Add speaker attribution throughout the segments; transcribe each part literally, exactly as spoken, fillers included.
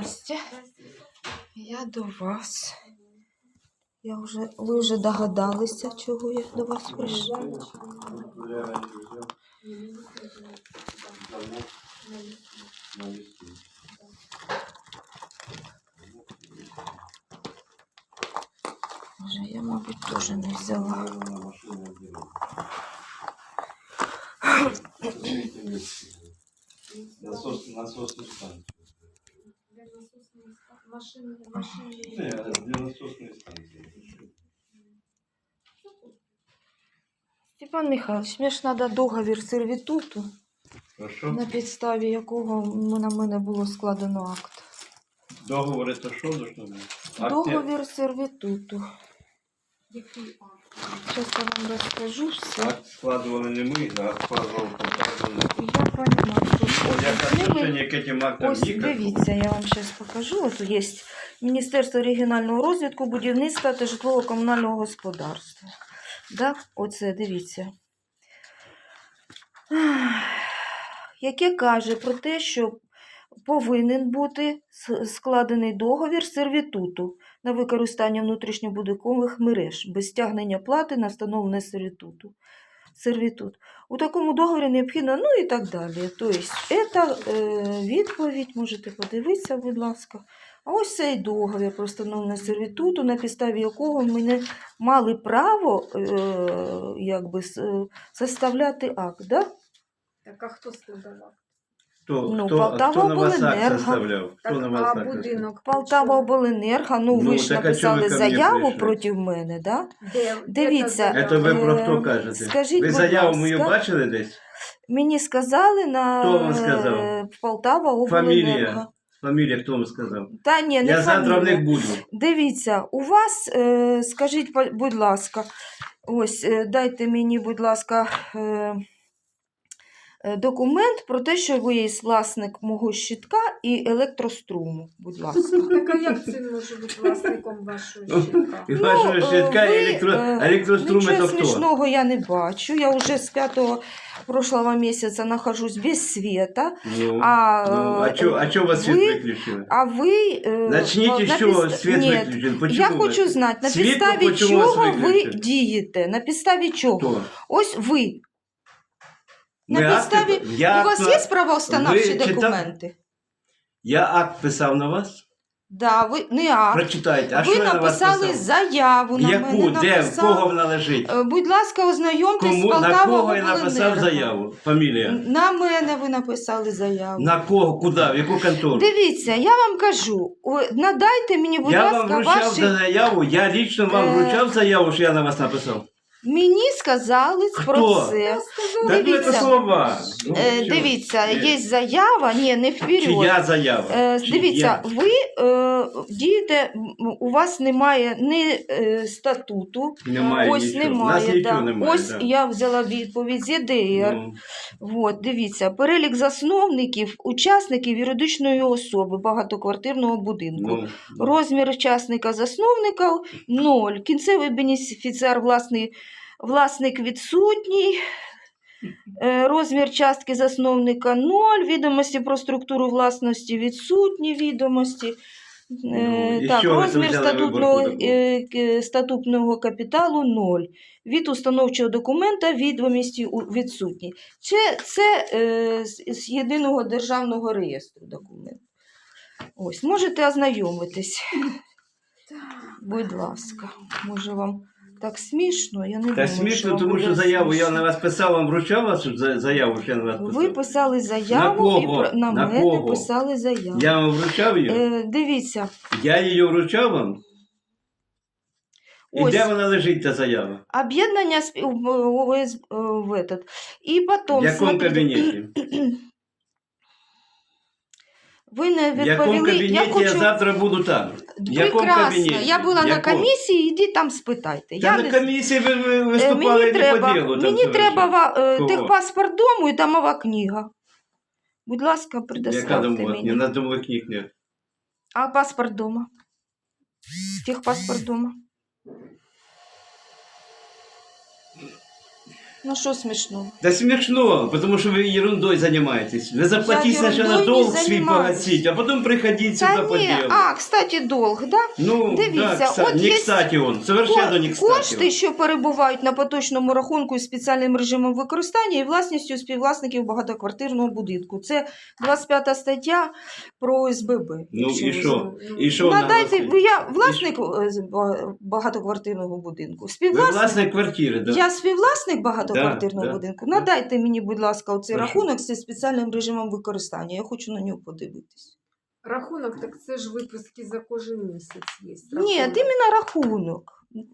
Speaker 1: Здрасте. Я до вас. Я вже, ви вже догадалися, чого я до вас прийшла. Вже я, мабуть, теж не взяла.
Speaker 2: Насос, насосную станцию.
Speaker 3: Для насосной машины, машины.
Speaker 2: Нет, для насосной станции.
Speaker 1: Степан Михайлович, мені ж треба договір сервітуту,
Speaker 2: Хорошо.
Speaker 1: на підставі якого на мене було складено акт.
Speaker 2: Договор это что должно быть?
Speaker 1: Договір сервітуту.
Speaker 3: Який акт?
Speaker 1: Зараз я вам розкажу все.
Speaker 2: Акт складывали не мы, а акт складывал компания.
Speaker 1: Я понимаю, що
Speaker 2: Я
Speaker 1: ось
Speaker 2: отношение к этим актам
Speaker 1: ось
Speaker 2: никакого.
Speaker 1: дивіться, я вам зараз покажу. Ось є Міністерство регіонального розвитку, будівництва та житлово-комунального господарства. Да? Оце, дивіться. Яке каже про те, що повинен бути складений договір сервітуту на використання внутрішньобудинкових мереж без стягнення плати на встановлене сервітуту. Сервітут. У такому договорі необхідно, ну і так далі. Тобто, це е, відповідь, можете подивитися, будь ласка. А ось цей договір про встановлення сервітуту, на підставі якого ми не мали право е, якби, составляти акт. Да?
Speaker 3: Так, а хто складав?
Speaker 2: Кто,
Speaker 1: Ну,
Speaker 2: кто,
Speaker 1: Полтава
Speaker 2: кто на вас акт
Speaker 1: обленерго.
Speaker 2: составлял? Кто
Speaker 3: Так,
Speaker 2: на вас
Speaker 3: а
Speaker 2: акт
Speaker 3: будинок?
Speaker 1: Полтава обленерго, ну,
Speaker 2: Ну,
Speaker 1: ви ж
Speaker 2: так а чого ви
Speaker 1: написали
Speaker 2: ко мені
Speaker 1: заяву
Speaker 2: прийшли?
Speaker 1: проти мене, да?
Speaker 3: Де,
Speaker 1: Дивіться,
Speaker 3: де та
Speaker 2: Это ви
Speaker 3: заява?
Speaker 2: про
Speaker 1: Е,
Speaker 2: хто кажете?
Speaker 1: скажіть,
Speaker 2: Ви
Speaker 1: будь
Speaker 2: заяву мою
Speaker 1: ласка.
Speaker 2: бачили десь?
Speaker 1: Мені сказали на
Speaker 2: Хто вам сказав?
Speaker 1: е, Полтава
Speaker 2: Фамілія.
Speaker 1: обленерго.
Speaker 2: Фамилия кто вам сказал?
Speaker 1: Та ні, не
Speaker 2: Я завтра в них
Speaker 1: фамілія.
Speaker 2: буду.
Speaker 1: Дивіться, у вас, е, скажіть, по- будь ласка, ось, е, дайте мені, будь ласка, е, е, документ про те, що ви є власник мого щитка і електроструму, будь ласка.
Speaker 3: Так, а як це може бути власником вашого щитка?
Speaker 2: И вашего
Speaker 1: е,
Speaker 2: щитка,
Speaker 1: ви,
Speaker 2: и электро...
Speaker 1: е,
Speaker 2: электрострум
Speaker 1: Нічого
Speaker 2: это кто?
Speaker 1: смішного я не бачу. Я вже з п'ятого прошлого місяця нахожусь без света.
Speaker 2: Ну,
Speaker 1: А,
Speaker 2: ну, а чё, а чё вас свет
Speaker 1: ви-
Speaker 2: выключили?
Speaker 1: А ви... е,
Speaker 2: Начните,
Speaker 1: на
Speaker 2: что
Speaker 1: підста-
Speaker 2: свет
Speaker 1: Ні,
Speaker 2: выключен. Почему
Speaker 1: я
Speaker 2: вы-
Speaker 1: хочу знати, на
Speaker 2: Світло
Speaker 1: підставі
Speaker 2: почему вас
Speaker 1: чого ви
Speaker 2: виключили?
Speaker 1: дієте? На підставі чого?
Speaker 2: Кто?
Speaker 1: Ось ви. На
Speaker 2: Ми
Speaker 1: підставі...
Speaker 2: акти- я
Speaker 1: У вас
Speaker 2: акт-
Speaker 1: є правоустановчі
Speaker 2: ви чита-
Speaker 1: документи?
Speaker 2: Я акт писав на вас?
Speaker 1: Да, ви не акт.
Speaker 2: Прочитайте. А
Speaker 1: ви
Speaker 2: що я на вас
Speaker 1: написали
Speaker 2: писав?
Speaker 1: заяву на
Speaker 2: Яку?
Speaker 1: мене.
Speaker 2: Де? В
Speaker 1: написали.
Speaker 2: кого вона лежить?
Speaker 1: Е, Будь ласка, ознайомтесь з
Speaker 2: Кому, на
Speaker 1: Полтава
Speaker 2: кого я написав
Speaker 1: обленерго.
Speaker 2: заяву? Фамілія?
Speaker 1: На мене ви написали заяву.
Speaker 2: На кого? Куди? В яку контору?
Speaker 1: Дивіться, я вам кажу, о, надайте мені, будь
Speaker 2: Я
Speaker 1: ласка,
Speaker 2: вам вручав
Speaker 1: ваші...
Speaker 2: за заяву, я лично вам
Speaker 1: Е,
Speaker 2: вручав заяву, що я на вас написав.
Speaker 1: Мені сказали
Speaker 2: Хто?
Speaker 1: про це.
Speaker 2: Так ну,
Speaker 1: Дивіться.
Speaker 2: це слова. Ну,
Speaker 1: Е,
Speaker 2: що?
Speaker 1: Дивіться,
Speaker 2: Е,
Speaker 1: є заява, ні, не вперед.
Speaker 2: Чия заява?
Speaker 1: Е,
Speaker 2: Чия?
Speaker 1: Дивіться, ви е, дієте, м, у вас немає ні е, статуту,
Speaker 2: Немає
Speaker 1: ось
Speaker 2: нічого. У
Speaker 1: немає.
Speaker 2: нас нічого
Speaker 1: да.
Speaker 2: немає.
Speaker 1: Ось
Speaker 2: да.
Speaker 1: я взяла відповідь з Є Де Ер.
Speaker 2: Ну,
Speaker 1: От, дивіться, перелік засновників, учасників юридичної особи багатоквартирного будинку.
Speaker 2: ну,
Speaker 1: Розмір учасника засновника ноль. Кінцевий бенефіціар власний, власник відсутній. Е, Розмір частки засновника ноль. Відомості про структуру власності відсутні відомості. Е,
Speaker 2: Ну, і
Speaker 1: так,
Speaker 2: що ви
Speaker 1: розмір
Speaker 2: тут взяли
Speaker 1: статутного,
Speaker 2: виборку таку?
Speaker 1: е, к- статутного капіталу ноль. Від установчого документа відомості у- відсутні. Це, це е, з, з єдиного державного реєстру документ. Ось, можете ознайомитись. Будь ласка, може вам так смішно? Я не
Speaker 2: Та
Speaker 1: думаю,
Speaker 2: смішно,
Speaker 1: вам
Speaker 2: тому
Speaker 1: буде
Speaker 2: що заяву я
Speaker 1: смішно.
Speaker 2: на вас писав, вам вручав вас за- заяву, що я на вас писав?
Speaker 1: Ви писали заяву
Speaker 2: На
Speaker 1: і
Speaker 2: кого?
Speaker 1: про- на,
Speaker 2: На
Speaker 1: мене
Speaker 2: кого?
Speaker 1: писали заяву.
Speaker 2: Я вам вручав її?
Speaker 1: Е, дивіться,
Speaker 2: Я її вручав вам? І
Speaker 1: ось
Speaker 2: де вона лежить, ця заява?
Speaker 1: об'єднання з- в, в, в, в этот. І потім,
Speaker 2: В якому
Speaker 1: смотрите,
Speaker 2: кабінеті?
Speaker 1: ви не
Speaker 2: В якому
Speaker 1: відповіли.
Speaker 2: кабінеті я,
Speaker 1: Я хочу...
Speaker 2: завтра буду там? В якому
Speaker 1: Прекрасно.
Speaker 2: кабінеті?
Speaker 1: Я була
Speaker 2: В
Speaker 1: на
Speaker 2: якому?
Speaker 1: комісії, іди там спитайте.
Speaker 2: Та
Speaker 1: я
Speaker 2: на
Speaker 1: не...
Speaker 2: комісії ви, ви
Speaker 1: Е,
Speaker 2: виступали
Speaker 1: мені
Speaker 2: не
Speaker 1: треба,
Speaker 2: по ділу. там
Speaker 1: мені
Speaker 2: совершенно.
Speaker 1: треба ва- е,
Speaker 2: Кого?
Speaker 1: техпаспорт дому і домова книга. Будь ласка,
Speaker 2: Яка
Speaker 1: предоставте
Speaker 2: домова?
Speaker 1: мені.
Speaker 2: У нас домових книг нет.
Speaker 1: А паспорт дома? Техпаспорт дома. Ну що смішно?
Speaker 2: Да смешно, потому что вы ерундой занимаетесь. Вы заплатите
Speaker 1: ерундой
Speaker 2: сначала
Speaker 1: не
Speaker 2: долг свой
Speaker 1: занимаюсь.
Speaker 2: погасить, а потом приходите
Speaker 1: Та
Speaker 2: сюда по
Speaker 1: ні,
Speaker 2: делу.
Speaker 1: а, кстати, долг, да?
Speaker 2: Ну,
Speaker 1: дивіться,
Speaker 2: да, кстати,
Speaker 1: от
Speaker 2: не
Speaker 1: є
Speaker 2: кстати он, совершенно не кстати.
Speaker 1: Кошти, що перебувають на поточному рахунку із спеціальним режимом використання і власністю співвласників багатоквартирного будинку. Це двадцять п'ята стаття про О С Б Б.
Speaker 2: Ну
Speaker 1: якщо
Speaker 2: і
Speaker 1: ви
Speaker 2: що?
Speaker 1: знаєте.
Speaker 2: І що вона
Speaker 1: Надайте,
Speaker 2: гласить?
Speaker 1: ви- я власник е, з ба- багатоквартирного будинку.
Speaker 2: Ви
Speaker 1: Співвласник.
Speaker 2: власник квартири, да?
Speaker 1: Я співвласник багатоквартирного
Speaker 2: Да, да,
Speaker 1: будинку.
Speaker 2: да.
Speaker 1: Надайте мені, будь ласка, оцей
Speaker 2: Прошу.
Speaker 1: рахунок зі спеціальним режимом використання. Я хочу на нього подивитись.
Speaker 3: Рахунок, так це ж виписки за кожен місяць є.
Speaker 1: Ні,
Speaker 3: рахунок.
Speaker 1: іменно рахунок.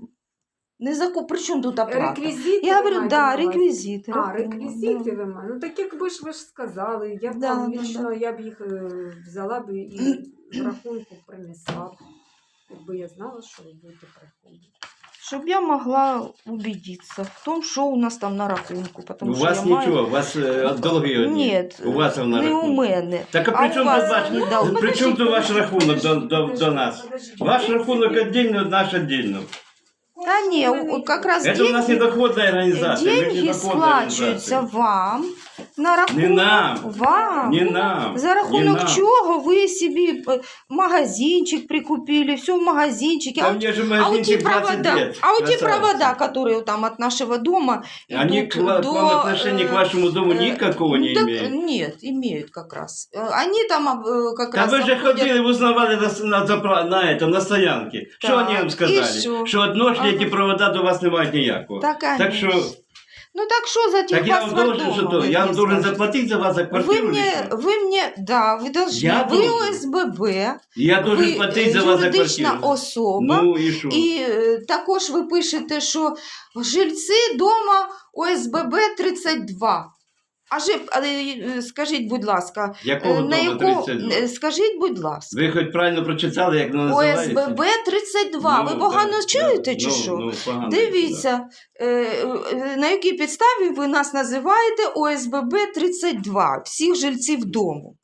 Speaker 1: Не закуп. При чому тут оплата?
Speaker 3: Реквізити
Speaker 1: Я
Speaker 3: ви
Speaker 1: говорю,
Speaker 3: маєте
Speaker 1: да,
Speaker 3: на увазі?
Speaker 1: реквізити.
Speaker 3: А,
Speaker 1: рахунок,
Speaker 3: реквізити
Speaker 1: да.
Speaker 3: ви маєте. Ну так якби ж ви ж сказали, я б
Speaker 1: Да,
Speaker 3: вам
Speaker 1: да,
Speaker 3: лічно,
Speaker 1: да.
Speaker 3: я б їх е, взяла б і з рахунку принесла б. Якби я знала, що ви будете приходити.
Speaker 1: Щоб я могла убедиться в том, що у нас там на рахунку. Потому
Speaker 2: У
Speaker 1: що
Speaker 2: вас
Speaker 1: я
Speaker 2: нічого,
Speaker 1: маю...
Speaker 2: у вас е, долги одні.
Speaker 1: Ні,
Speaker 2: У вас на
Speaker 1: не у
Speaker 2: рахунку.
Speaker 1: мене.
Speaker 2: Так а
Speaker 1: А
Speaker 2: при
Speaker 1: у
Speaker 2: чому
Speaker 1: вас
Speaker 2: тут ваш,
Speaker 1: не дал-
Speaker 2: при чому тут ваш рахунок до, до, до нас?
Speaker 3: Подождіть.
Speaker 2: Ваш рахунок отдельно, наш отдельно.
Speaker 1: Та ні, у- как раз
Speaker 2: Это у нас
Speaker 1: деньги,
Speaker 2: недоходная организация. мы
Speaker 1: деньги
Speaker 2: недоходная
Speaker 1: сплачуються
Speaker 2: организация.
Speaker 1: вам на рахунок.
Speaker 2: Не нам.
Speaker 1: Вам.
Speaker 2: Не нам.
Speaker 1: За
Speaker 2: не
Speaker 1: рахунок
Speaker 2: нам.
Speaker 1: чого ви собі е, магазинчик прикупили, все в магазинчике.
Speaker 2: Да
Speaker 1: А,
Speaker 2: мне же
Speaker 1: а у
Speaker 2: магазинчик
Speaker 1: те
Speaker 2: двадцать
Speaker 1: провода,
Speaker 2: лет.
Speaker 1: а у те
Speaker 2: красавица.
Speaker 1: провода, которые там от нашего дома
Speaker 2: Они
Speaker 1: идут
Speaker 2: к, ва-
Speaker 1: до...
Speaker 2: к вам отношения
Speaker 1: э,
Speaker 2: к вашему дому
Speaker 1: э,
Speaker 2: никакого не
Speaker 1: так,
Speaker 2: имеют.
Speaker 1: Нет, имеют как раз. Э, Они там э, как
Speaker 2: Да
Speaker 1: раз
Speaker 2: вы же
Speaker 1: обходят-
Speaker 2: ходили, узнавали на, с- на, запра- на, этом, на стоянке. Что
Speaker 1: Так,
Speaker 2: они вам
Speaker 1: и
Speaker 2: сказали?
Speaker 1: что?
Speaker 2: Что одношли
Speaker 1: Ага.
Speaker 2: эти провода до вас не мають ніякого.
Speaker 1: Так,
Speaker 2: Так
Speaker 1: конечно.
Speaker 2: что,
Speaker 1: Ну так что за
Speaker 2: так я вам
Speaker 1: техпаспорт
Speaker 2: должен, что
Speaker 1: дома,
Speaker 2: то,
Speaker 1: вы
Speaker 2: я вам
Speaker 1: мне
Speaker 2: должен
Speaker 1: скажете?
Speaker 2: заплатить за вас за
Speaker 1: Вы
Speaker 2: квартиру
Speaker 1: мне,
Speaker 2: лично?
Speaker 1: вы мне, да, вы должны,
Speaker 2: Я
Speaker 1: вы
Speaker 2: должен.
Speaker 1: О С Б Б,
Speaker 2: Я должен
Speaker 1: ви
Speaker 2: платить
Speaker 1: е,
Speaker 2: за вас за
Speaker 1: юридична
Speaker 2: квартиру.
Speaker 1: особа,
Speaker 2: Ну і що?
Speaker 1: і е, також ви пишете, що жильці дома О С Б Б тридцять два. А жи, але, е, скажіть, будь ласка, е,
Speaker 2: Якого
Speaker 1: на
Speaker 2: дому
Speaker 1: яку,
Speaker 2: тридцять два?
Speaker 1: е, скажіть, будь ласка,
Speaker 2: Ви хоч правильно прочитали, як воно
Speaker 1: О С
Speaker 2: називається?
Speaker 1: Б Б тридцять два.
Speaker 2: Ну,
Speaker 1: Ви погано
Speaker 2: да,
Speaker 1: чуєте
Speaker 2: да,
Speaker 1: чи
Speaker 2: ну,
Speaker 1: що?
Speaker 2: Ну, погано,
Speaker 1: Дивіться, е, е, на якій підставі ви нас називаєте О С Б Б тридцять два, всіх жильців дому.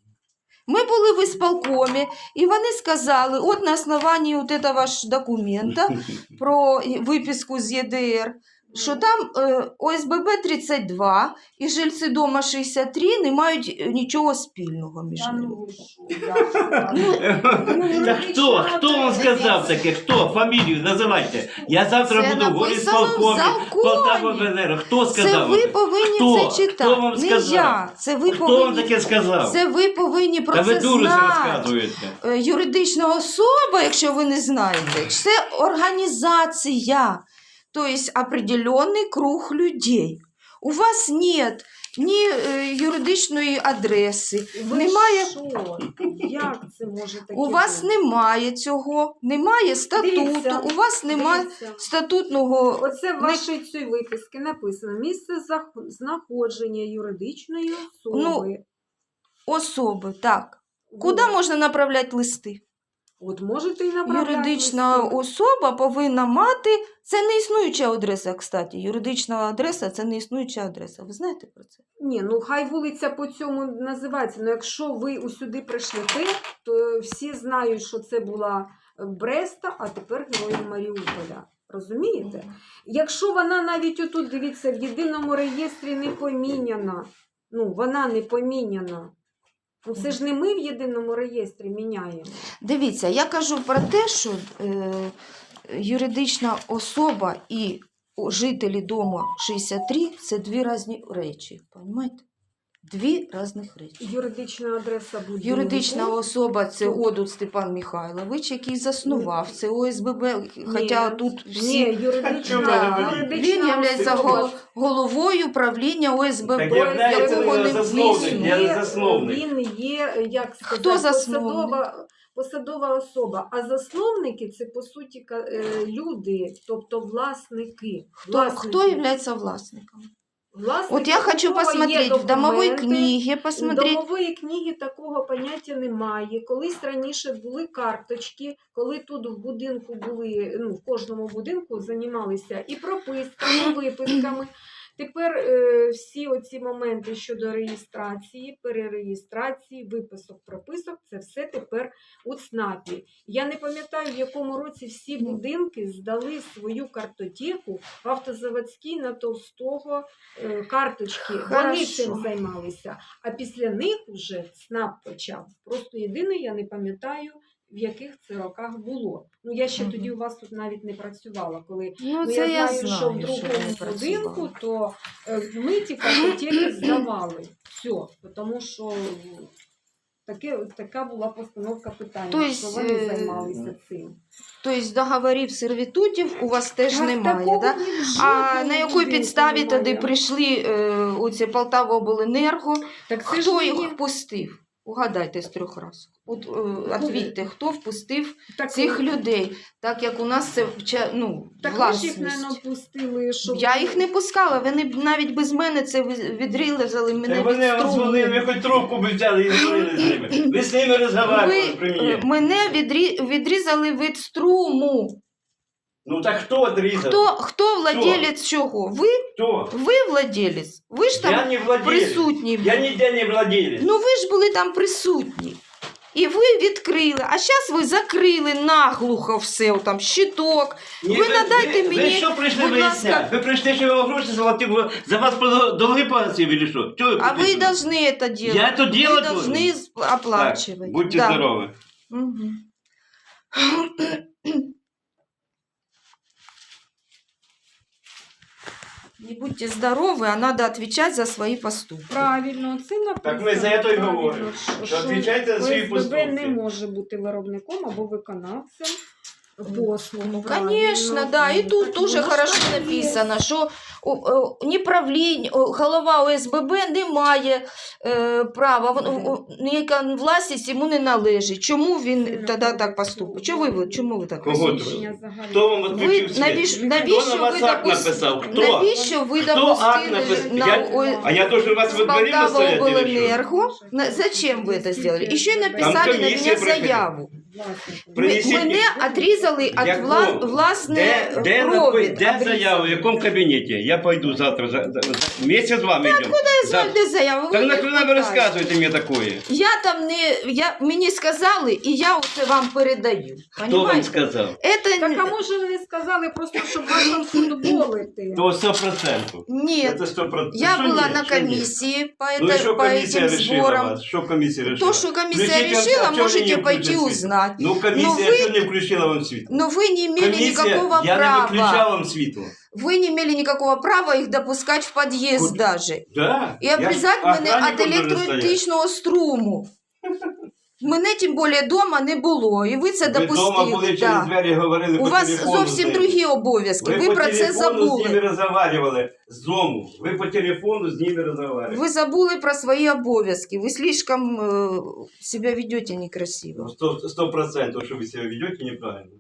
Speaker 1: Ми були в ісполкомі, і вони сказали, от на основанні от этого ж документа про виписку з Е Д Р, що там е, О С Б Б тридцять два і жильці дома шістдесят три не мають нічого спільного між
Speaker 3: Та
Speaker 1: ними.
Speaker 3: ну ви що, я
Speaker 2: Да хто? Хто вам сказав таке? Хто? Фамілію називайте. Я завтра
Speaker 1: Це
Speaker 2: буду в
Speaker 1: написано в
Speaker 2: горісполкомі,
Speaker 1: законі.
Speaker 2: Полтава В Н Р. Хто
Speaker 1: Це
Speaker 2: сказав?
Speaker 1: ви
Speaker 2: це?
Speaker 1: повинні
Speaker 2: Хто?
Speaker 1: це читати.
Speaker 2: Хто вам
Speaker 1: Не
Speaker 2: сказав?
Speaker 1: я. Це ви
Speaker 2: Хто вам
Speaker 1: повинні,
Speaker 2: таке сказав?
Speaker 1: це ви повинні про
Speaker 2: Та ви
Speaker 1: це
Speaker 2: дуру
Speaker 1: знати.
Speaker 2: розказуєте.
Speaker 1: Е, Юридична особа, якщо ви не знаєте, це організація, тобто определенний круг людей. У вас нет ні е, юридичної адреси,
Speaker 3: Ви
Speaker 1: немає,
Speaker 3: що? Як це може таке
Speaker 1: у вас
Speaker 3: бути?
Speaker 1: немає цього, немає статуту,
Speaker 3: Дивіться,
Speaker 1: у вас немає
Speaker 3: Дивіться.
Speaker 1: статутного.
Speaker 3: Оце в вашій цій виписці написано місце зах- знаходження юридичної особи.
Speaker 1: Ну, особи, так.
Speaker 3: От.
Speaker 1: Куди можна направляти листи?
Speaker 3: От можете і направляти
Speaker 1: Юридична
Speaker 3: листи.
Speaker 1: особа повинна мати, це не існуюча адреса, кстати. Юридична адреса – це не існуюча адреса. Ви знаєте про це?
Speaker 3: Ні, ну хай вулиця по цьому називається. Ну якщо ви усюди прийшлете, то всі знають, що це була Бреста, а тепер Героїв Маріуполя. Розумієте? Якщо вона навіть отут, дивіться, в єдиному реєстрі не поміняна, ну вона не поміняна, ну це ж не ми в єдиному реєстрі міняємо.
Speaker 1: Дивіться, я кажу про те, що е, юридична особа і жителі дому шістдесят три – це дві різні речі. Понимаєте? Дві різних речі.
Speaker 3: Юридична адреса будинку.
Speaker 1: Юридична особа – це Одут Степан Михайлович, який заснував це О С Б Б, хоча тут
Speaker 3: Ні,
Speaker 1: всі...
Speaker 3: юридична,
Speaker 1: Да.
Speaker 3: юридична
Speaker 1: Він є
Speaker 3: особа.
Speaker 1: головою правління О С Б
Speaker 2: Так
Speaker 1: Б,
Speaker 2: являється
Speaker 1: якого
Speaker 2: він
Speaker 1: не
Speaker 2: засновник,
Speaker 1: існує.
Speaker 2: я не
Speaker 3: Є-
Speaker 2: засновник.
Speaker 3: Він є, як сказати,
Speaker 1: Хто засновник?
Speaker 3: посадова, посадова особа. А засновники – це, по суті, ка- е, люди, тобто власники.
Speaker 1: Хто,
Speaker 3: Власники.
Speaker 1: хто є власником?
Speaker 3: Власники,
Speaker 1: Вот я
Speaker 3: у
Speaker 1: хочу
Speaker 3: кого є
Speaker 1: посмотреть в домовой
Speaker 3: документи.
Speaker 1: книге, посмотреть.
Speaker 3: Домової книги такого поняття немає. Колись раніше були карточки, коли тут в будинку були, ну, в кожному будинку займалися і прописками, і виписками. Тепер е, всі оці моменти щодо реєстрації, перереєстрації, виписок, прописок, це все тепер у ЦНАПі. Я не пам'ятаю, в якому році всі будинки здали свою картотеку в автозаводській на Толстого е, карточки. Вони
Speaker 1: Хорошо.
Speaker 3: цим займалися. А після них вже ЦНАП почав. Просто єдине, я не пам'ятаю, в яких це роках було. Ну, я ще
Speaker 1: Мгм.
Speaker 3: тоді у вас тут навіть не працювала. Коли
Speaker 1: Ну,
Speaker 3: ну,
Speaker 1: це
Speaker 3: я
Speaker 1: я
Speaker 3: знаю,
Speaker 1: знаю,
Speaker 3: що в
Speaker 1: що
Speaker 3: другому
Speaker 1: не
Speaker 3: будинку,
Speaker 1: працювала.
Speaker 3: то е, ми ті картотеки здавали. Все. Тому що таке, така була постановка питання,
Speaker 1: Тобто,
Speaker 3: що вони
Speaker 1: е,
Speaker 3: займалися цим.
Speaker 1: Тобто договорів сервітутів у вас теж
Speaker 3: Так,
Speaker 1: немає,
Speaker 3: такого
Speaker 1: да?
Speaker 3: ні в
Speaker 1: А
Speaker 3: жодному
Speaker 1: на якій
Speaker 3: будинку
Speaker 1: підставі
Speaker 3: немає.
Speaker 1: тоді прийшли е, оці Полтавобленерго?
Speaker 3: Так це ж
Speaker 1: Хто
Speaker 3: не
Speaker 1: їх
Speaker 3: є.
Speaker 1: впустив? Угадайте з трьох разів. От е, відповідьте, хто впустив
Speaker 3: Так,
Speaker 1: цих людей, так як у нас це вча- ну,
Speaker 3: Так ви ж їх,
Speaker 1: власність.
Speaker 3: мабуть, пустили, щоб...
Speaker 1: Я їх не пускала, вони б навіть без мене це ви- відрізали мене
Speaker 2: Так
Speaker 1: від
Speaker 2: вони вам дзвонили, ви
Speaker 1: струму.
Speaker 2: хоч трубку б взяли і говорили з ними. Ви з ними розмовляли
Speaker 1: Ви
Speaker 2: при
Speaker 1: е,
Speaker 2: мені.
Speaker 1: мене відрі- відрізали від струму.
Speaker 2: Ну так хто отрізав?
Speaker 1: Хто, хто владелець чого? Ви?
Speaker 2: Хто?
Speaker 1: Ви владелець? Ви ж
Speaker 2: Я
Speaker 1: там
Speaker 2: не владелец.
Speaker 1: присутні були.
Speaker 2: Я ніде не владелец.
Speaker 1: Ну ви ж були там присутні. І ви відкрили, а зараз ви закрили наглухо все, там, щиток.
Speaker 2: Ні,
Speaker 1: ви надайте
Speaker 2: ви,
Speaker 1: мені,
Speaker 2: Ви що прийшли
Speaker 1: будь ласка.
Speaker 2: виясняти? Ви прийшли, що я вам гроші заплатив, бо за вас про- долги погасив, или що? Чого
Speaker 1: А вы
Speaker 2: прийшли?
Speaker 1: должны это делать.
Speaker 2: Я это
Speaker 1: Вы
Speaker 2: делать
Speaker 1: должны
Speaker 2: должен?
Speaker 1: сп- оплачивать.
Speaker 2: Так, будьте
Speaker 1: Да.
Speaker 2: здоровы.
Speaker 1: Мгм. Не будьте здоровы, а надо отвечать за свои поступки.
Speaker 3: Правильно, це написано.
Speaker 2: Так ми за це й
Speaker 3: правильно,
Speaker 2: говоримо,
Speaker 3: що-
Speaker 2: що
Speaker 3: що
Speaker 2: відповідайте за свої
Speaker 3: ОСББ
Speaker 2: поступки.
Speaker 3: не може бути виробником або виконавцем послуг.
Speaker 1: Ну,
Speaker 3: правильно.
Speaker 1: конечно, да. И тут
Speaker 3: Так,
Speaker 1: тоже
Speaker 3: воно
Speaker 1: хорошо
Speaker 3: ж так і є.
Speaker 1: написано, що о, о, ні правлінь, о, голова ОСББ не має е, права, вон-
Speaker 3: Мгм.
Speaker 1: о, ніяка власність йому не належить. Чому він
Speaker 3: Це
Speaker 1: тоді
Speaker 3: правда.
Speaker 1: так поступить? Чому ви, чому ви так
Speaker 2: Кого
Speaker 1: поступите?
Speaker 3: Рішення загальне.
Speaker 2: Хто вам
Speaker 1: Ви
Speaker 2: відключив світ?
Speaker 1: навіщо,
Speaker 3: Хто
Speaker 1: навіщо
Speaker 2: Хто на вас
Speaker 1: ви
Speaker 2: акт
Speaker 1: допус-
Speaker 2: написав? Хто?
Speaker 1: Навіщо ви
Speaker 2: Хто акт
Speaker 1: допустили
Speaker 2: написав?
Speaker 1: на
Speaker 2: Я-
Speaker 1: О-
Speaker 2: А я должен вас во дворе
Speaker 1: Полтава
Speaker 2: настоять или что?
Speaker 1: обленерго? На- Зачем вы это сделали? Еще и написали на
Speaker 2: комиссия
Speaker 1: меня
Speaker 2: приходила.
Speaker 1: заяву.
Speaker 3: Власнику.
Speaker 2: Принесіть
Speaker 1: Мене отрізали від
Speaker 2: Якому?
Speaker 1: вла... власне
Speaker 2: Де, де, напи-
Speaker 1: провід.
Speaker 2: де
Speaker 1: обрізали.
Speaker 2: заяву, в якому кабінеті? Я пойду завтра, за, за, за, вместе з вами йдемо.
Speaker 1: Я знаю, де заяву.
Speaker 2: Так
Speaker 1: ви
Speaker 2: нахрена ви
Speaker 1: питаєте.
Speaker 2: розказуєте мені такое?
Speaker 1: Я там не... Я... Мені сказали, і я оце вам передаю.
Speaker 2: Хто вам
Speaker 1: Понимаете?
Speaker 2: сказав?
Speaker 1: Это...
Speaker 3: Так, а може ви сказали просто, щоб вас там футболити?
Speaker 2: То сто процентів.
Speaker 1: Нет.
Speaker 2: Це сто процентів.
Speaker 1: Я
Speaker 2: Що
Speaker 1: була
Speaker 2: ні?
Speaker 1: на
Speaker 2: Що ні?
Speaker 1: комиссии по,
Speaker 2: Ну і
Speaker 1: это,
Speaker 2: що
Speaker 1: по
Speaker 2: комісія
Speaker 1: этим
Speaker 2: решила
Speaker 1: сборам.
Speaker 2: вас? Що комісія решила?
Speaker 1: То, что комиссия
Speaker 2: Включите, а
Speaker 1: решила,
Speaker 2: чого ви
Speaker 1: можете
Speaker 2: не
Speaker 1: пойти
Speaker 2: включили?
Speaker 1: узнать.
Speaker 2: Ну комісія
Speaker 1: Но ви-
Speaker 2: що не включила вам світло?
Speaker 1: Но вы не имели
Speaker 2: Комісія,
Speaker 1: никакого
Speaker 2: я не
Speaker 1: права.
Speaker 2: виключав вам світло.
Speaker 1: Вы не имели никакого права их допускать в подъезд
Speaker 2: Куд-
Speaker 1: даже.
Speaker 2: Да?
Speaker 1: І обрізати
Speaker 2: Я ж
Speaker 1: мене від
Speaker 2: охранником должен стояти.
Speaker 1: елекtroелектричного струму. Мене тим більше вдома не було, і ви це
Speaker 2: Ви вдома
Speaker 1: допустили.
Speaker 2: були через
Speaker 1: Да.
Speaker 2: двері, говорили
Speaker 1: У
Speaker 2: по
Speaker 1: вас
Speaker 2: телефону.
Speaker 1: зовсім
Speaker 2: з ними.
Speaker 1: другі обов'язки. Ви,
Speaker 2: по
Speaker 1: про це
Speaker 2: телефону з
Speaker 1: забули.
Speaker 2: ними розмовляли з дому. Ви по телефону з ними розмовляли.
Speaker 1: Ви забули про свої обов'язки. Ви слишком э, себя ведете некрасиво.
Speaker 2: Сто, сто процентов, что вы себя ведете неправильно.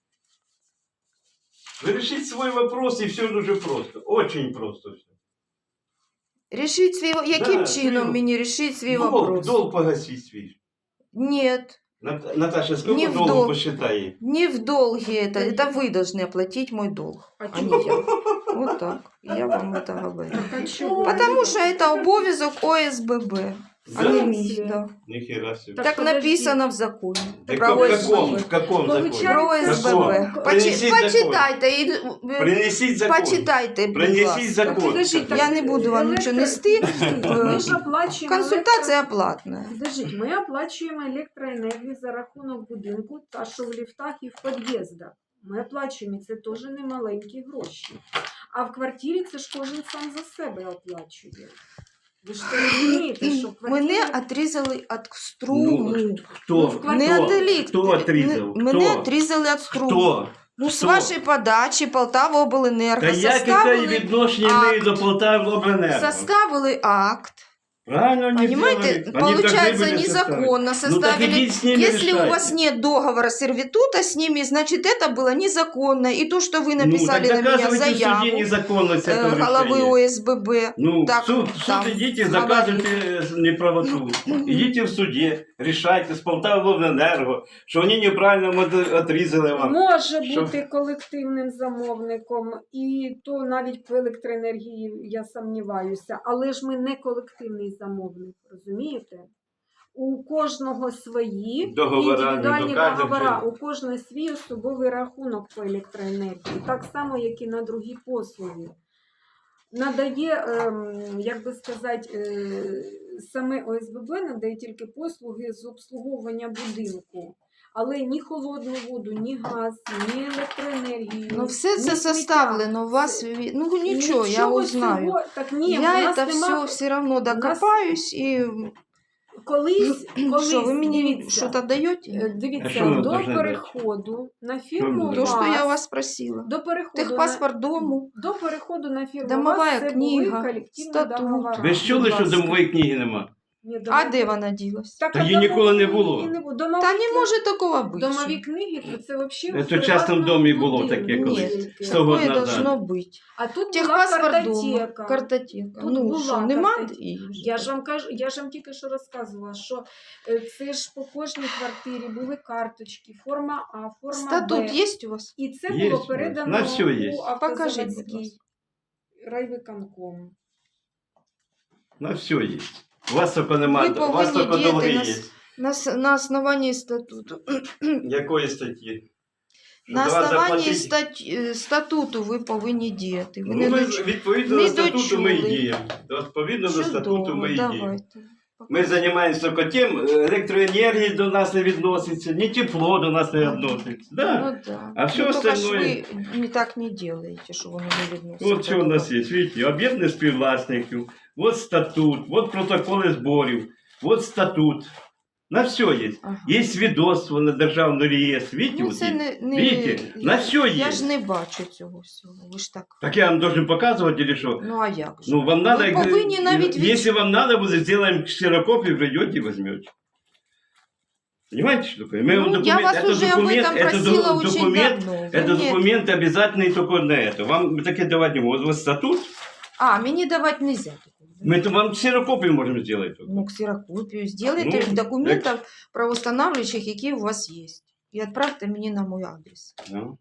Speaker 2: Вы решите свой вопрос, и все дуже просто. Очень просто все.
Speaker 1: Рішіть свій... Яким
Speaker 2: Да,
Speaker 1: чином
Speaker 2: свій-
Speaker 1: мені рішити свій
Speaker 2: Долг,
Speaker 1: вопрос?
Speaker 2: долг погасить свій.
Speaker 1: Нет.
Speaker 2: Нат- Наташа, сколько
Speaker 1: Не в
Speaker 2: долг
Speaker 1: долг.
Speaker 2: посчитай?
Speaker 1: Не в долге это. Это вы должны оплатить мой долг,
Speaker 3: А
Speaker 1: а не
Speaker 3: чого?
Speaker 1: я. Вот так. Я вам это говорю.
Speaker 3: Так, а чого?
Speaker 1: Потому что это обов'язок ОСББ, а
Speaker 2: Да?
Speaker 1: не мій. Да.
Speaker 2: Нихера себе.
Speaker 3: Так,
Speaker 1: Так
Speaker 3: подожди.
Speaker 1: написано в законе.
Speaker 2: Так
Speaker 1: про
Speaker 2: в каком,
Speaker 1: ОСББ.
Speaker 2: в каком законе?
Speaker 3: Получается,
Speaker 1: Про ОСББ.
Speaker 2: Каком?
Speaker 1: Почи...
Speaker 2: Принесіть закон.
Speaker 1: Почитайте. І...
Speaker 2: Принесите закон.
Speaker 1: Почитайте, будь
Speaker 2: Принесіть
Speaker 1: ласка.
Speaker 2: закон.
Speaker 3: Подождіть, так,
Speaker 1: Я не буду вам
Speaker 3: електро-
Speaker 1: нічого нести.
Speaker 3: Подождіть, Ми ж оплачуємо
Speaker 1: Консультація платна.
Speaker 3: Подождіть, ми оплачуємо електроенергію за рахунок будинку, та що в ліфтах і в під'їздах. Ми оплачуємо, і це теж не маленькі гроші. А в квартирі це ж кожен сам за себе оплачує. Ви ж це розумієте, що в квартирі...
Speaker 1: Мене отрізали від струму.
Speaker 2: Ну,
Speaker 3: Ну,
Speaker 2: кто?
Speaker 3: в
Speaker 2: Кто?
Speaker 1: Не від електрики.
Speaker 2: Кто отрезал?
Speaker 1: Мене
Speaker 2: Кто?
Speaker 1: отрізали від струму.
Speaker 2: Кто?
Speaker 1: Ну, з
Speaker 2: Хто?
Speaker 1: вашої подачі Полтава обленерго
Speaker 2: Та я яке
Speaker 1: составили,
Speaker 2: відношення
Speaker 1: акт.
Speaker 2: маю до Полтави обленерго?
Speaker 1: составили акт
Speaker 2: Правильно они
Speaker 1: Понимаете,
Speaker 2: сделали. Они
Speaker 1: получается
Speaker 2: должны были составить.
Speaker 1: незаконно
Speaker 2: Ну так
Speaker 1: составили.
Speaker 2: идите с ними
Speaker 1: Если у
Speaker 2: решайте.
Speaker 1: вас нет договора сервитута с ними, значит это было незаконно. И то, что вы написали
Speaker 2: ну, так
Speaker 1: на меня
Speaker 2: доказывайте в суде
Speaker 1: заяву
Speaker 2: незаконность
Speaker 1: э,
Speaker 2: этого
Speaker 1: головы
Speaker 2: решения.
Speaker 1: О С Б Б,
Speaker 2: Ну,
Speaker 1: так,
Speaker 2: в суд, в суд
Speaker 1: там,
Speaker 2: идите,
Speaker 1: говорит.
Speaker 2: заказывайте неправоту. Идите в суде, решайте з Полтавобленерго, що вони неправильно отрізали вам.
Speaker 3: Може
Speaker 2: Що?
Speaker 3: бути колективним замовником, і то навіть по електроенергії я сумніваюся. Але ж ми не колективний замовник, розумієте? У кожного свої
Speaker 2: Договора,
Speaker 3: індивідуальні
Speaker 2: не доказують
Speaker 3: договори,
Speaker 2: же.
Speaker 3: у кожного свій особовий рахунок по електроенергії, так само, як і на другі послуги. Надає, ем, як би сказати, е, саме О С Б Б надає тільки послуги з обслуговування будинку. Але ні холодну воду, ні газ, ні електроенергію.
Speaker 1: Ну, все
Speaker 3: ні
Speaker 1: це
Speaker 3: сміття.
Speaker 1: составлено у вас. ві- Ну нічого, я узнаю.
Speaker 3: Цього, так ні, у
Speaker 1: Я
Speaker 3: нас
Speaker 1: это
Speaker 3: нема...
Speaker 1: все все равно докопаюсь и
Speaker 3: Колись, колись,
Speaker 1: что, вы мне
Speaker 3: дивіться,
Speaker 1: что-то
Speaker 3: е,
Speaker 1: даете?
Speaker 2: А
Speaker 3: дивіться,
Speaker 2: що ви
Speaker 3: до
Speaker 2: должны
Speaker 3: переходу на фірму
Speaker 2: Ну,
Speaker 1: То, что я
Speaker 3: ВАЗ,
Speaker 1: вас просила.
Speaker 3: до переходу
Speaker 1: Техпаспорт дому.
Speaker 3: на, до переходу на фірму
Speaker 1: Домовая
Speaker 3: ВАЗ, це
Speaker 1: книга,
Speaker 3: були колективні
Speaker 1: статут.
Speaker 3: договори.
Speaker 2: Ви ж чули,
Speaker 1: Будь
Speaker 2: що
Speaker 1: ласка.
Speaker 2: домової книги нема?
Speaker 3: Ні,
Speaker 1: А
Speaker 3: домові-
Speaker 1: де вона ділась?
Speaker 3: Так,
Speaker 2: Та
Speaker 3: а
Speaker 2: її ніколи не
Speaker 3: домової
Speaker 2: було.
Speaker 3: книги не було. Домові
Speaker 1: Та не
Speaker 3: книги-
Speaker 1: може такого бути.
Speaker 3: Домові книги, то це взагалі
Speaker 2: Це в частному домі було таке
Speaker 1: колись,
Speaker 3: тільки.
Speaker 2: сто год
Speaker 1: Такое
Speaker 2: назад.
Speaker 1: должно бути.
Speaker 3: А тут була
Speaker 1: Техпаспорт дома,
Speaker 3: картотека.
Speaker 1: картотека.
Speaker 3: Тут
Speaker 1: Ну,
Speaker 3: була
Speaker 1: що, нема?
Speaker 3: картотека.
Speaker 1: її вже?
Speaker 3: Я ж вам кажу, я ж вам тільки що розказувала, що е, це ж по кожній квартирі були карточки, форма А, форма
Speaker 1: Статут
Speaker 3: Б.
Speaker 1: є у вас?
Speaker 3: І це
Speaker 2: Є,
Speaker 3: було передано
Speaker 2: на все є.
Speaker 3: у
Speaker 1: Покажіть, будь
Speaker 3: Автозаводський
Speaker 1: ласка.
Speaker 3: райвиконком.
Speaker 2: На все є. У вас тільки немає,
Speaker 1: Ви
Speaker 2: у вас
Speaker 1: повинні
Speaker 2: тільки
Speaker 1: діяти
Speaker 2: долги
Speaker 1: на
Speaker 2: є.
Speaker 1: с- На, с- на основании статуту.
Speaker 2: Якої статті? Що
Speaker 1: На
Speaker 2: до вас
Speaker 1: основании
Speaker 2: заплатити?
Speaker 1: стать, е, статуту ви повинні діяти. Ви
Speaker 2: Ну,
Speaker 1: не
Speaker 2: ми,
Speaker 1: доч...
Speaker 2: відповідно
Speaker 1: не
Speaker 2: до статуту ми і
Speaker 1: дочули.
Speaker 2: діємо. Відповідно до статуту ми і діємо.
Speaker 1: давайте.
Speaker 2: Ми займаємося тільки тим, електроенергії до нас не відноситься, ні тепло до нас не відноситься. Да.
Speaker 1: Ну, да.
Speaker 2: А все
Speaker 1: ну, только ж
Speaker 2: остальное-
Speaker 1: ви не так не делаете, що воно не відноситься.
Speaker 2: Вот що у нас є, видите, об'єднання співвласників, вот статут, вот протоколи зборів, вот статут. На все є.
Speaker 1: Ага.
Speaker 2: Є свідоцтво на державний реєстр, видите,
Speaker 1: Ну,
Speaker 2: вот
Speaker 1: це
Speaker 2: є.
Speaker 1: не, не...
Speaker 2: Видите, на
Speaker 1: я,
Speaker 2: все є.
Speaker 1: я ж не бачу цього всього. Ви ж так.
Speaker 2: Так я вам должен показувати, или що?
Speaker 1: Ну, а як же?
Speaker 2: Ну, вам надо,
Speaker 1: Ви повинні навіть від...
Speaker 2: если вам надо, вы сделаем ксерокопию, придете и возьмете. Понимаете, что такое? Мы вам
Speaker 1: Ну, я
Speaker 2: документ-
Speaker 1: вас
Speaker 2: это
Speaker 1: уже об
Speaker 2: документ,
Speaker 1: этом
Speaker 2: это
Speaker 1: просила
Speaker 2: ду-
Speaker 1: очень
Speaker 2: документ,
Speaker 1: давно. Вы
Speaker 2: это
Speaker 1: мне-
Speaker 2: документ обязательный только на это. Вам таки давать не могут. Вот статут,
Speaker 1: А, мені давати нельзя. такого, да?
Speaker 2: мы то вам ксерокопию можем сделать. только.
Speaker 1: Ну, ксерокопію. Сделайте
Speaker 2: Ну,
Speaker 1: документів правоустанавливаючих, які у вас є. І відправте мені на мій адрес.
Speaker 2: Ну.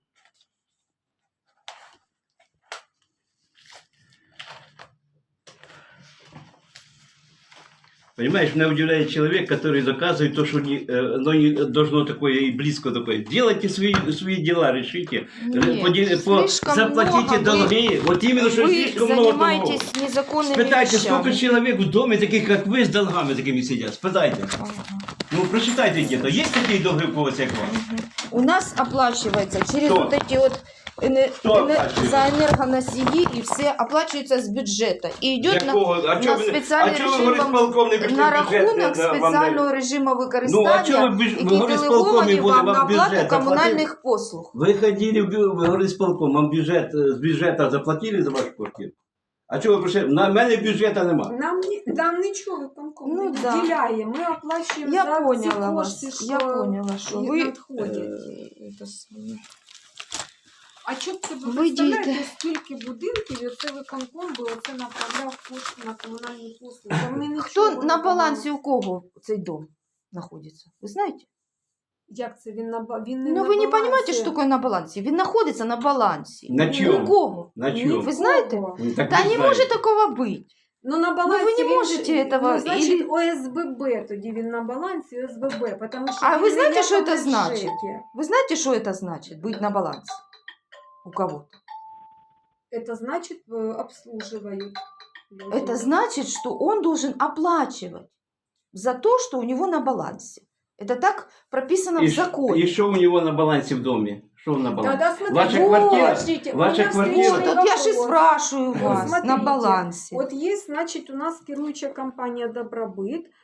Speaker 2: Понимаешь, меня удивляет человек, который доказывает то, что не, э, оно не должно такое и близко такое. Делайте свои, свои дела, решите.
Speaker 1: Нет,
Speaker 2: Поди- по-
Speaker 1: слишком
Speaker 2: заплатите
Speaker 1: много. Вы-
Speaker 2: долги. Вот именно, что
Speaker 1: Вы
Speaker 2: слишком много долгов.
Speaker 1: занимаетесь незаконными
Speaker 2: Спитайте,
Speaker 1: вещами.
Speaker 2: сколько человек в доме, таких как вы, с долгами такими сидят. Спитайте.
Speaker 1: Ага.
Speaker 2: Ну, прочитайте где-то. Есть такие долги у кого-то, как вам?
Speaker 1: Мгм. У нас оплачивается через
Speaker 2: Кто?
Speaker 1: вот эти вот эне-
Speaker 2: Кто
Speaker 1: эне-
Speaker 2: оплачивает?
Speaker 1: за энергоносии, и все оплачивается с бюджета. И идет на,
Speaker 2: Якого? А
Speaker 1: на
Speaker 2: чого ви,
Speaker 1: спеціальний
Speaker 2: а чого ви
Speaker 1: режим
Speaker 2: говорите, полковник, що
Speaker 1: на
Speaker 2: бюджет не
Speaker 1: рахунок
Speaker 2: да, вам
Speaker 1: спеціального
Speaker 2: дає?
Speaker 1: режиму
Speaker 2: Ну, а чого
Speaker 1: використання,
Speaker 2: ви, бюж- ви
Speaker 1: які
Speaker 2: говорите, з
Speaker 1: делеговані
Speaker 2: полковник буде
Speaker 1: вам на
Speaker 2: вам
Speaker 1: оплату
Speaker 2: бюджет
Speaker 1: комунальних послуг.
Speaker 2: Вы ходили, в бю- вы говорили с полком, вам бюджет, э, с бюджета заплатили за вашу квартиру? А чого ви прийшли? На мене бюджету нема.
Speaker 3: Нам, ні- нам нічого виконком
Speaker 1: Ну,
Speaker 3: не
Speaker 1: да.
Speaker 3: виділяє. Ми оплачуємо
Speaker 1: Я
Speaker 3: за ці
Speaker 1: поняла
Speaker 3: кошти,
Speaker 1: вас.
Speaker 3: що
Speaker 1: Я поняла, що
Speaker 3: і
Speaker 1: ви
Speaker 3: надходять.
Speaker 1: е, це саме.
Speaker 3: А що б це ви
Speaker 1: Ви
Speaker 3: представляєте,
Speaker 1: дієте.
Speaker 3: скільки будинків і оце виконком би оце направляв кошти на комунальні послуги? Та вони нічого
Speaker 1: Хто
Speaker 3: не
Speaker 1: на
Speaker 3: виконують.
Speaker 1: балансі у кого цей дом знаходиться? Ви знаєте?
Speaker 3: Як це він на ба- він не
Speaker 1: Ну
Speaker 3: на
Speaker 1: ви не
Speaker 3: балансі?
Speaker 1: розумієте, що таке на балансі? Він знаходиться на балансі.
Speaker 2: На
Speaker 1: У
Speaker 2: чому?
Speaker 1: кого?
Speaker 2: На
Speaker 1: Ні,
Speaker 2: чому?
Speaker 1: ви знаєте?
Speaker 3: Кого?
Speaker 2: Ну, так
Speaker 1: Та
Speaker 2: ви
Speaker 1: не
Speaker 2: знаєте.
Speaker 1: може такого бути.
Speaker 3: Ну на балансі
Speaker 1: ви не
Speaker 3: він
Speaker 1: можете
Speaker 3: ж-
Speaker 1: этого,
Speaker 3: ну, значить
Speaker 1: или-
Speaker 3: О С Б Б тоді він на балансі О С Б Б, тому що
Speaker 1: А
Speaker 3: він
Speaker 1: ви
Speaker 3: не
Speaker 1: знаєте, що
Speaker 3: якомусь
Speaker 1: це значить?
Speaker 3: ЖЕКі.
Speaker 1: Вы знаете, что это значит, быть на балансе у кого-то?
Speaker 3: Это значит э, обслуживают. люди.
Speaker 1: Это значит, что он должен оплачивать за то, что у него на балансе. Это так прописано
Speaker 2: И
Speaker 1: в
Speaker 2: ш-
Speaker 1: законе.
Speaker 2: И что у него на балансе в доме? Что на балансе?
Speaker 3: Тогда смотрите,
Speaker 2: Ваша
Speaker 3: вот,
Speaker 2: квартира?
Speaker 3: подождите, у
Speaker 2: Ваша
Speaker 3: меня
Speaker 2: квартира?
Speaker 1: Вот,
Speaker 3: встречный
Speaker 1: вот я же и
Speaker 3: вопрос.
Speaker 1: спрашиваю
Speaker 3: Вот
Speaker 1: вас, на
Speaker 3: смотрите,
Speaker 1: балансе.
Speaker 3: Вот есть, значит, у нас керуючая компания «Добробыт»,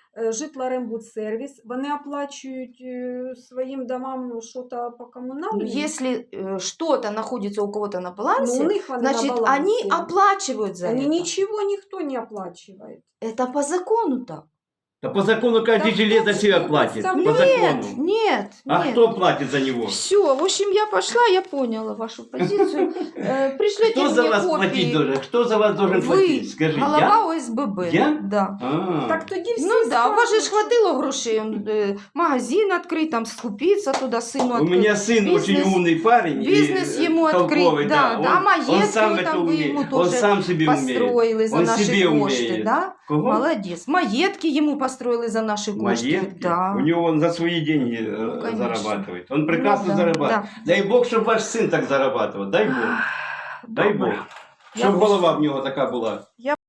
Speaker 3: е, Житлорембудсервіс, вони оплачують е, своїм домам щось по комунальному.
Speaker 1: Ну, если э, что-то находится у кого-то на балансе,
Speaker 3: Ну, у них вони на
Speaker 1: значит,
Speaker 3: балансі.
Speaker 1: они оплачивают за
Speaker 3: Они
Speaker 1: это.
Speaker 3: ничего никто не оплачивает.
Speaker 1: Это по закону так.
Speaker 2: Да по закону каждый
Speaker 3: Да
Speaker 2: жилет
Speaker 3: кто
Speaker 2: за себя
Speaker 3: ж
Speaker 2: платит.
Speaker 3: это
Speaker 2: По
Speaker 1: Нет,
Speaker 2: закону.
Speaker 1: нет,
Speaker 2: А
Speaker 1: нет.
Speaker 2: кто платит за него?
Speaker 1: Все, в общем, я пошла, я поняла вашу позицию. Э, Пришлите
Speaker 2: Кто за
Speaker 1: мне
Speaker 2: вас платить
Speaker 1: копии.
Speaker 2: должен? Кто за вас должен
Speaker 1: Вы,
Speaker 2: платить? Скажи, я?
Speaker 1: голова ОСББ.
Speaker 2: Я?
Speaker 1: Да.
Speaker 2: А,
Speaker 3: Так тоді всі
Speaker 1: Ну да, у вас же ж
Speaker 3: скажуть,
Speaker 1: хватило грошей, он, э, магазин открыть, там скупиться туда, сыну
Speaker 2: у
Speaker 1: открыть.
Speaker 2: меня сын
Speaker 1: Бизнес-
Speaker 2: очень умный парень. и,
Speaker 1: бизнес
Speaker 2: э,
Speaker 1: ему
Speaker 2: толковый,
Speaker 1: открыть, да,
Speaker 2: Он,
Speaker 1: да,
Speaker 2: он
Speaker 1: маетки
Speaker 2: сам
Speaker 1: вот
Speaker 2: это
Speaker 1: там вы
Speaker 2: умеет.
Speaker 1: ему
Speaker 2: Он
Speaker 1: тоже
Speaker 2: сам себе умеет.
Speaker 1: построили за
Speaker 2: Он
Speaker 1: наши
Speaker 2: себе
Speaker 1: кошты,
Speaker 2: умеет.
Speaker 1: да?
Speaker 2: Кого?
Speaker 1: Молодец. Маетки ему построили за наши кошты.
Speaker 2: Маетки?
Speaker 1: Да.
Speaker 2: У него он за свои деньги э,
Speaker 1: Ну, конечно.
Speaker 2: зарабатывает. Он прекрасно
Speaker 1: Ну, да,
Speaker 2: зарабатывает.
Speaker 1: да.
Speaker 2: Дай Бог, чтобы ваш сын так зарабатывал. Дай Бог. Дай Бог.
Speaker 1: Добре.
Speaker 2: Щоб
Speaker 1: Я
Speaker 2: голова в нього така була.